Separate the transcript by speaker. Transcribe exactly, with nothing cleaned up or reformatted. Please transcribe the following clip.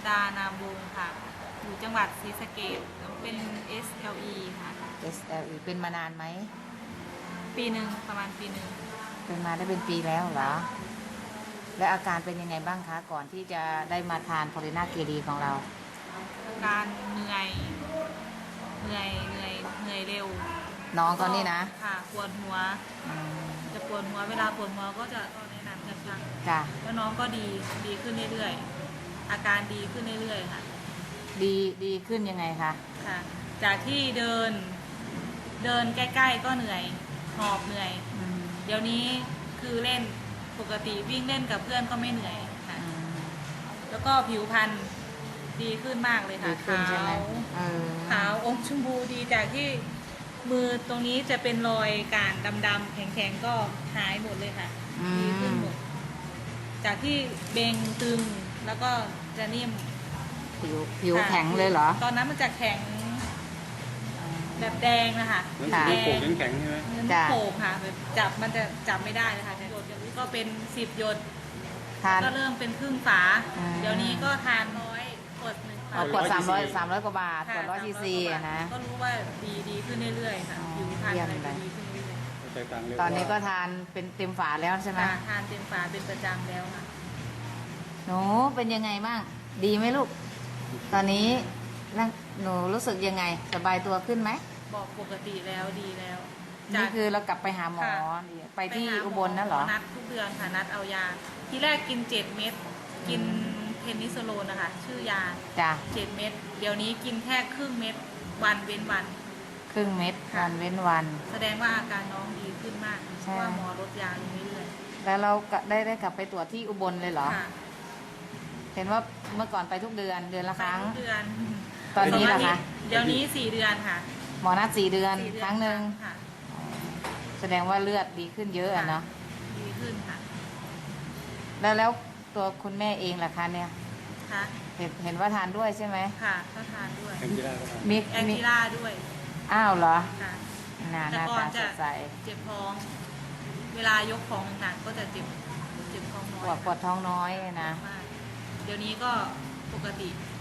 Speaker 1: ดานาบุงค่ะอยู่จังหวัดศรีสะเกษเป็น เอส แอล อี ค่ะ
Speaker 2: เอส แอล อี เป็นมานานไหม
Speaker 1: ปีหนึ่งประมาณปีหนึ่ง
Speaker 2: เป็นมาได้เป็นปีแล้วเหรอ และอาการเป็นยังไงบ้างคะ ก่อนที่จะได้มาทานพอลิน่าเกดีของเรา
Speaker 1: อาการเหนื่อยเหนื่อยเหนื่อยเหนื่อยเร็ว
Speaker 2: น้องก็นี่นะ
Speaker 1: ค่ะปวดหัว
Speaker 2: อืม
Speaker 1: จะปวดหัวเวลาปวดหัวก็จะก็แนะนำจะพัก
Speaker 2: จ้ะ
Speaker 1: แล้วน้องก็ดีดีขึ้นเรื่อยๆอาการดีขึ้นเรื่อยๆค่ะ
Speaker 2: ดีดีขึ้นยังไงคะ
Speaker 1: ค่ะ จากที่เดิน เดินใกล้ๆก็เหนื่อยหอบเหนื่อย
Speaker 2: อืม
Speaker 1: เดี๋ยวนี้คือเล่นปกติวิ่งเล่นกับเพื่อนก็ไม่เหนื่อยค่ะ
Speaker 2: อืม
Speaker 1: แล้วก็ผิวพรรณดีขึ้นมากเลยค่ะ
Speaker 2: ดีขึ้นใช่ไหม
Speaker 1: ขาว
Speaker 2: เออ
Speaker 1: ขาวอมชมพูดีจากที่มือตรงนี้จะเป็นรอยการดำๆแข็งๆก็หายหมดเลยค่ะ
Speaker 2: อื
Speaker 1: ดีขึ้น
Speaker 2: ม
Speaker 1: หมด จากที่เบงตึงแล้วก็จะนิ่ม
Speaker 2: ผิวผิว
Speaker 1: ค่ะ
Speaker 2: แข็งเลยเหรอ
Speaker 1: ตอนนั้นมันจะแข็งแบบแดงนะคะ
Speaker 3: เหมือน
Speaker 2: ค่ะ
Speaker 3: ลูกโป่งแข็งๆใช่ไหม
Speaker 1: เหมือนลู
Speaker 2: จ้ะ
Speaker 1: กโป่งค่ะแบบจับมันจะจับไม่ได้เลยค่ะหยดก็เป็นสิบหยด
Speaker 2: ทาน
Speaker 1: ก็เริ่มเป็นครึ่งฝา
Speaker 2: อืม
Speaker 1: เดี๋ยวนี้ก็ทานน้อยกดหนึ่ง
Speaker 2: เอาขวดสามร้อยสามร้อยกว่าบาท
Speaker 1: ค่ะ
Speaker 2: ขวดร้อยซีซี
Speaker 1: สามร้อยกว่าบาท
Speaker 2: นะ
Speaker 1: ก็รู้ว่าดีดีขึ้นเรื่อยๆค่ะ
Speaker 2: อ๋อ
Speaker 1: ผิวพรรณ
Speaker 2: เยี่ยม
Speaker 1: อะไร
Speaker 2: เลย
Speaker 1: ก็ดีขึ้นเรื่อย
Speaker 3: ใจต่างเร็ว
Speaker 2: ตอนนี้ก็ทานเป็นเต็มฝาแล้วใช่
Speaker 1: ๆ
Speaker 2: ไหม
Speaker 1: ค่ะทานเต็มฝาเป็นประจำแล้วค่ะ
Speaker 2: หนูเป็นยังไงบ้าง ดีไหมลูก ตอนนี้ร่างหนูรู้สึกยังไง สบายตัวขึ้นไหม
Speaker 1: บอกปกติแล้วดีแล้ว
Speaker 2: นี่คือเรากลับไปหาหมอ
Speaker 1: ค่ะ
Speaker 2: ไปที่
Speaker 1: หาหม
Speaker 2: อุบลนั่นเหรอ
Speaker 1: นัดทุกเดือนค่ะนัดเอายา ที่แรกกินเจ็ดเม็ดกินเพนิซิลโลนนะคะชื่อยา
Speaker 2: จ้ะ
Speaker 1: เจ็ดเม็ดเดี๋ยวนี้กินแค่ครึ่งเม็ดวันเว้นวัน
Speaker 2: ครึ่งเม็ด
Speaker 1: ค่ะ
Speaker 2: วันเว้นวัน
Speaker 1: แสดงว่าอาการน้องดีขึ้นมากเพ
Speaker 2: ใช่
Speaker 1: ราะว่าหมอลดยาลงเรื่อย
Speaker 2: แล้วเราก็ได้ได้กลับไปตรวจที่อุบลเลยเหรอ
Speaker 1: ๆค่ะ
Speaker 2: เห็นว่าเมื่อก่อนไปทุกเดือนเดือนละ
Speaker 1: ไป
Speaker 2: ครั้ง
Speaker 1: ทุกเดือน
Speaker 2: ตอนนี้เหรอคะ
Speaker 1: เดี๋ยวนี้สี่เดือนค่ะ
Speaker 2: หมอนัดสี่เดือน
Speaker 1: สี่เดือ
Speaker 2: ครั้งหนึ่ง
Speaker 1: ค่ะ
Speaker 2: แสดงว่าเลือดดีขึ้นเยอะอะเนาะ
Speaker 1: ดีขึ้นค่ะ
Speaker 2: แล้วแล้วตัวคุณแม่เองล่ะคะเนี่ย
Speaker 1: ค่ะ
Speaker 2: เห็นเห็นว่าทานด้วยใช่ไหม
Speaker 1: ค่ะก็ทานด้วย
Speaker 3: แคนจิล่าก็ทำ
Speaker 2: มี
Speaker 1: แอน
Speaker 2: มี
Speaker 1: ติล่าด้วย
Speaker 2: อ้าวเหรอ
Speaker 1: ค่ะ
Speaker 2: หน้าห
Speaker 1: แต่
Speaker 2: น้า
Speaker 1: ก่อ
Speaker 2: ตาน ส
Speaker 1: จะ
Speaker 2: ดใส
Speaker 1: เจ็บท้อง เวลายกของหนักๆก็จะเจ็บเจ็บท้องน้
Speaker 2: ป
Speaker 1: อ
Speaker 2: วย ดปวดท้องน้อยนะ
Speaker 1: มากเดี๋ยวนี้ก็ปกติ